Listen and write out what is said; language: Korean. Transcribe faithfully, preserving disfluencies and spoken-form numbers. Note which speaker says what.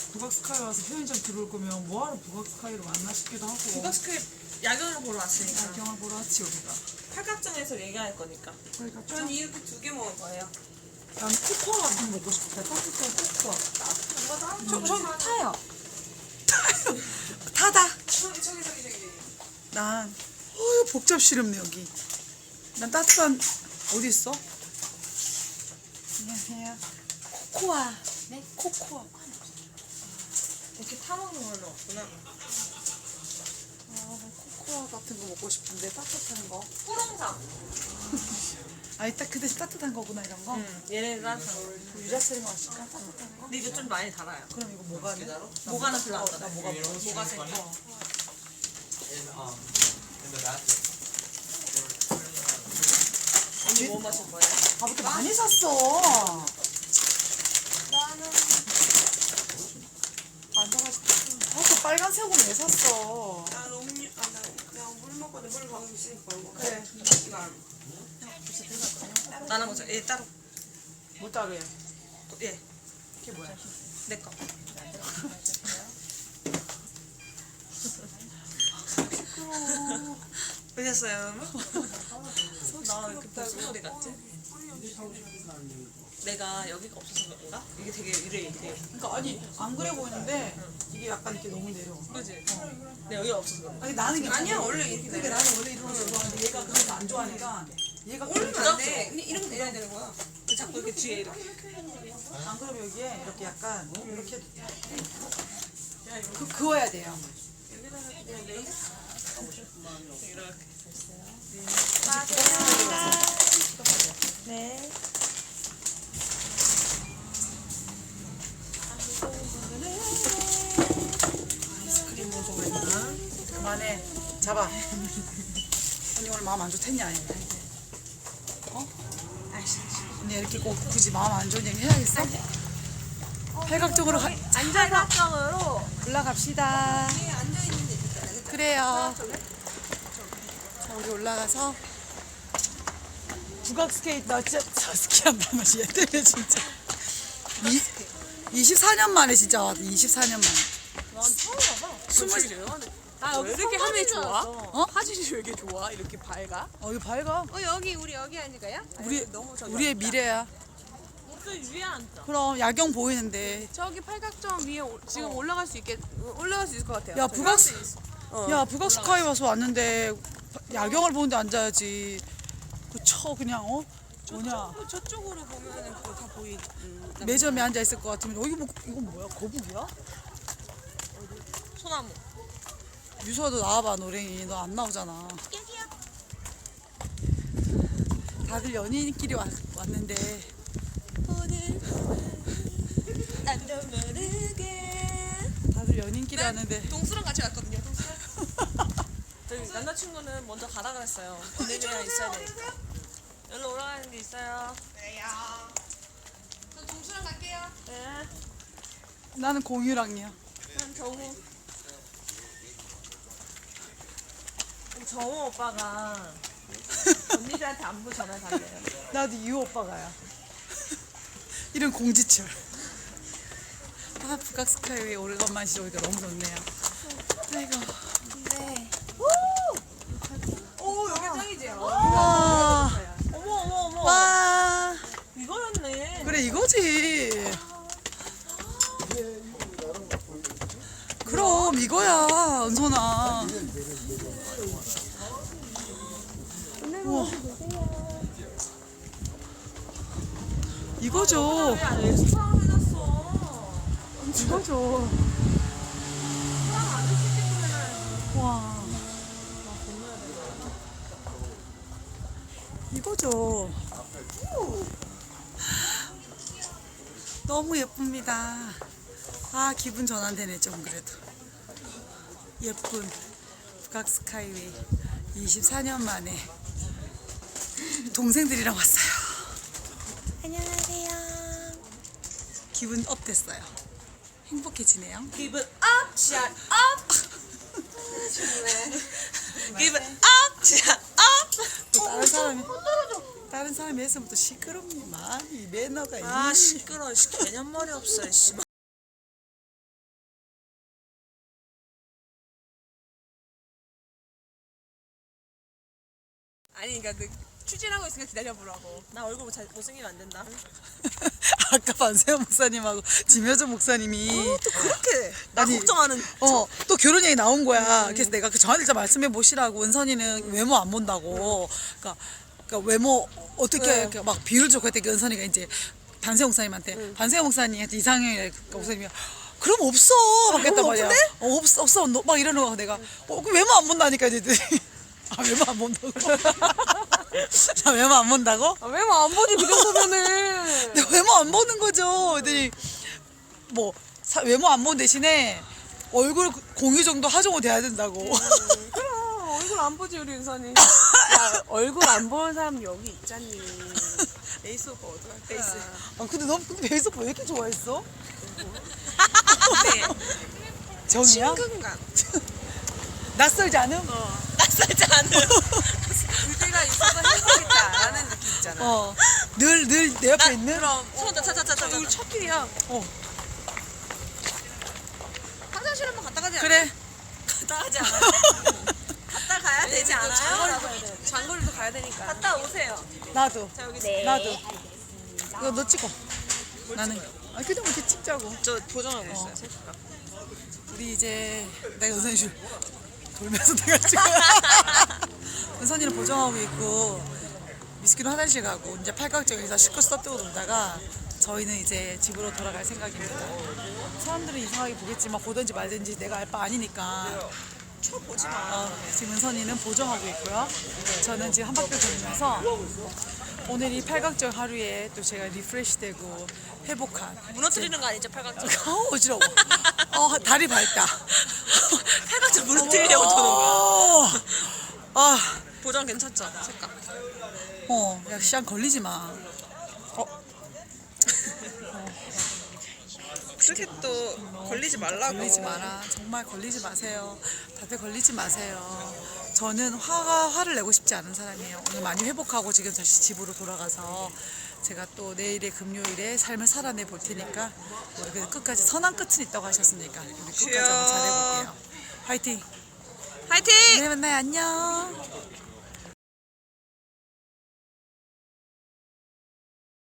Speaker 1: 북악스카이 와서 편의점 들어올 거면 뭐하러 북악스카이를 만나 싶기도 하고.
Speaker 2: 북악스카이 야경을 보러 왔으니까.
Speaker 1: 야경을 보러 왔지 우리가.
Speaker 2: 팔각정에서 얘기할 거니까.
Speaker 1: 그러니까
Speaker 3: 전 이렇게 두 개 먹을 거예요.
Speaker 1: 난 코코아 같은 거 먹고 싶다. 따뜻한 코코아.
Speaker 3: 저, 저 타요.
Speaker 1: 타다.
Speaker 3: 저기, 저기, 저기, 저기.
Speaker 1: 난 어휴 복잡 시렵네 여기. 난 따뜻한 어디 있어? 안녕하세요. 코코아.
Speaker 3: 네?
Speaker 1: 코코아.
Speaker 2: 이렇게 타먹는 걸로 없구나.
Speaker 1: 아, 코코아 같은 거 먹고 싶은데 따뜻한 거.
Speaker 3: 뿌렁사.
Speaker 1: 아, 이따 그 대신 따뜻한 거구나 이런 거.
Speaker 2: 응. 얘네는 따뜻한 거.
Speaker 1: 유자스링 마실까? 따뜻한 거.
Speaker 2: 근데 이거 좀 많이 달아요.
Speaker 1: 그럼 이거 뭐가네?
Speaker 2: 모가는 별로 안
Speaker 1: 나
Speaker 2: 달아요.
Speaker 1: 뭐가 먹고
Speaker 2: 모가 생
Speaker 1: 어.
Speaker 4: in um in the bathroom.
Speaker 2: 언니 뭐 마실 거예요?
Speaker 1: 아, 왜 이렇게 많이 샀어?
Speaker 3: 나는
Speaker 1: 앉아가지고. 아, 그 빨간색은 왜 샀어?
Speaker 3: 난 음료, 아, 나 그냥 물 먹거든. 물 가고 있으니까 걸고.
Speaker 1: 그래.
Speaker 3: 난
Speaker 2: 나눠 먹자. 얘 따로.
Speaker 1: 뭐 따로 해?
Speaker 2: 얘.
Speaker 1: 이게 뭐야?
Speaker 2: 내 거. 보셨어요, 여러분? 나 이렇게 무슨 소리 같지? 내가 여기가 없어서 그런가? 이게 되게 이래 이래.
Speaker 1: 그러니까 아니 안 그래 보이는데 이게 약간 이렇게 너무 내려.
Speaker 2: 그지? 내 여기가 없어서 그런가?
Speaker 1: 아니 나는 괜찮아.
Speaker 3: 아니야, 원래 이렇게
Speaker 1: 그러니까
Speaker 3: 내려.
Speaker 1: 나는 원래 이런 거 좋아하는데 얘가 그런 거 안 좋아하니까 얘가
Speaker 3: 올리면
Speaker 1: 그러니까
Speaker 3: 안 돼. 근데 이렇게 내려야 되는 거야.
Speaker 2: 자꾸 이렇게 뒤에 이렇게.
Speaker 1: 안 그러면 여기에 이렇게 약간 이렇게 해도 돼. 그 그어야 돼요.
Speaker 3: 여기다가 그냥 레이스.
Speaker 2: 이렇게.
Speaker 3: 네.
Speaker 1: 아이스크림 먹어 있나? 그만해. 잡아. 언니 오늘 마음 안 좋댔냐? 아니? 어? 언니 이렇게 꼭 굳이 마음 안 좋은 얘기 해야겠어? 팔각정으로 가,
Speaker 3: 안전각정으로
Speaker 1: 올라갑시다.
Speaker 3: 위에 앉아있는데 있잖아요.
Speaker 1: 그래요. 자, 우리 올라가서 북악 스케이트 나 진짜 저 스키한단 말이야. 얘 때문에 진짜. 이, 이십사 년 만에 진짜 왔다. 이십사 년 만에.
Speaker 2: 난 처음 봐봐.
Speaker 1: 스물-
Speaker 2: 아, 왜 이렇게 화면이 좋아?
Speaker 1: 어?
Speaker 2: 화질이 왜 이렇게 좋아? 이렇게 밝아?
Speaker 1: 어, 이거 밝아.
Speaker 3: 어, 여기, 우리 여기 앉을까요?
Speaker 1: 우리,
Speaker 3: 너무 저기
Speaker 1: 우리의 미래야.
Speaker 2: 저 위에 앉자.
Speaker 1: 그럼 야경 보이는데.
Speaker 3: 저기 팔각정 위에 오- 지금 올라갈 수 있게 올라갈 수 있을 것 같아요.
Speaker 1: 야, 북악, 스-
Speaker 3: 어.
Speaker 1: 야, 북악 스카이 와서 왔는데 야경을 보는데 앉아야지. 그 쳐 그냥 어? 뭐냐?
Speaker 3: 저, 저쪽으로 보면은 그거 다 보이. 음,
Speaker 1: 매점에 앉아 있을 것 같으면 어, 이거 뭐 이거 뭐야? 거북이야?
Speaker 2: 소나무.
Speaker 1: 유서도 나와봐 노랭이. 너 안 나오잖아. 다들 연인끼리 왔, 왔는데
Speaker 3: 오늘 나도 모르게.
Speaker 1: 다들 연인끼리 왔는데
Speaker 3: 동수랑 같이 왔거든요. 동수랑.
Speaker 2: 저희 남자친구는 먼저 가라 그랬어요. 언니랑 있어야 되니까. 여기로 올라가는 게 있어요.
Speaker 3: 그래요. 저 동수랑 갈게요.
Speaker 2: 네.
Speaker 1: 나는 공유랑이야.
Speaker 2: 난 정우. 정우 오빠가 언니들한테 안부 전화 달래요.
Speaker 1: 나도 유 오빠가야. 이런 공지철. 아 북악 스카이웨이 오래간만에 오니까 너무 좋네요. 아이고.
Speaker 3: 네. 오, 여기 짱이지?
Speaker 1: 와.
Speaker 2: 어머 어머 어머.
Speaker 1: 와.
Speaker 2: 이거였네.
Speaker 1: 그래 이거지. 그럼 이거야 은선아. 우와. 이거죠.
Speaker 2: 야 엑스트라 해놨어.
Speaker 1: 이거죠. 와. 이거죠. 너무 예쁩니다. 아 기분 전환되네 좀 그래도. 예쁜 북악 스카이웨이 이십사 년 만에 동생들이랑 왔어요.
Speaker 3: 안녕하세요.
Speaker 1: 기분 업 됐어요. 행복해지네요.
Speaker 2: 기분 업, 샷 업. 기분 업, 샷 업.
Speaker 1: 또 다른 사람이 다른 사람이 했으면 또 시끄럽니만 이 매너가
Speaker 2: 아
Speaker 1: 이
Speaker 2: 시끄러. 개념머리 없어. 씨.
Speaker 3: 아니 그러니까 그 추진하고 있으니까 기다려보라고.
Speaker 2: 나 얼굴 잘 못생기면 안 된다.
Speaker 1: 아까 반세현 목사님하고 김효정 목사님이
Speaker 2: 또 그렇게 나
Speaker 1: 아니,
Speaker 2: 걱정하는.
Speaker 1: 어, 또 결혼 얘기 나온 거야. 그래서 내가 그 저한테 좀 말씀해 보시라고. 은선이는 외모 안 본다고. 그러니까, 그러니까 외모 어떻게
Speaker 3: 네.
Speaker 1: 이렇게 막 비율 좋고 했더니 은선이가 이제 반세현 목사님한테 반세현 목사님한테 이상형이래. 그 목사님이 그럼 없어. 막 했단 말이야. 어, 없어, 없어. 너- 막 이러는 거야. 내가 어, 그 외모 안 본다니까 이랬더니 아, 외모 안 본다고? 나 외모 안 본다고?
Speaker 3: 아, 외모 안 보지 그 정도면은.
Speaker 1: 근데 외모 안 보는 거죠. 그랬더니 뭐 사- 외모 안 보는 대신에 얼굴 공유 정도 하정우 돼야 된다고.
Speaker 3: 그럼 얼굴 안 보지 우리 은선이. 야 얼굴 안 보는 사람 여기 있잖니.
Speaker 2: 에이스 오빠 어떡할 페이스.
Speaker 1: 아 근데 너 근데 베이스 왜 이렇게 좋아했어?
Speaker 2: 네.
Speaker 1: 정이야?
Speaker 2: 친근감.
Speaker 1: 낯설지 않음?
Speaker 2: 낯설지 않은.
Speaker 3: 그때가 있어서 행복했다라는 느낌 있잖아.
Speaker 1: 어. 늘 늘 내 옆에 있는?
Speaker 2: 그럼 손다 차차차차.
Speaker 3: 우리 첫 길이야.
Speaker 1: 어.
Speaker 2: 화장실 한번 갔다 가지 않아?
Speaker 1: 그래.
Speaker 2: 갔다 가지 않아요? 갔다 가야 되지 않아요?
Speaker 3: 장거리도, 장거리도 가야 되니까.
Speaker 2: 갔다 오세요.
Speaker 1: 나도.
Speaker 2: 자 여기
Speaker 1: 나도. 이거 너 찍어. 나는. 아 그냥 이렇게 찍자고.
Speaker 2: 저 보정하고 있어요.
Speaker 1: 우리 이제 내가 은선이 줄 돌면서 내가 찍어. 은선이는 보정하고 있고 미스키는 화장실 가고 이제 팔각정에서 실컷 써뜨고 놀다가 저희는 이제 집으로 돌아갈 생각입니다. 사람들은 이상하게 보겠지만 보든지 말든지 내가 알 바 아니니까.
Speaker 2: 쳐 보지 마.
Speaker 1: 어, 지금 은선이는 보정하고 있고요. 저는 지금 한 바퀴 돌면서 오늘 이 팔각정 하루에 또 제가 리프레시되고 회복한.
Speaker 2: 무너뜨리는 거 아니죠 팔각정?
Speaker 1: 어, 어지러워. 어, 다리 밝다.
Speaker 2: 팔각정 무너뜨리려고 도는 거야.
Speaker 1: 어, 아,
Speaker 2: 보정 괜찮죠? 색깔.
Speaker 1: 어, 야, 시간 걸리지 마. 어,
Speaker 2: 그렇게 또 걸리지 말라고.
Speaker 1: 걸리지 마라. 정말 걸리지 마세요. 다들 걸리지 마세요. 저는 화가 화를 내고 싶지 않은 사람이에요. 오늘 많이 회복하고 지금 다시 집으로 돌아가서 제가 또 내일의 금요일에 삶을 살아내 볼 테니까 우리 그래도 끝까지 선한 끝은 있다고 하셨으니까 우리 끝까지 한번 잘해볼게요. 화이팅!
Speaker 2: 화이팅!
Speaker 1: 내일 만나요. 안녕.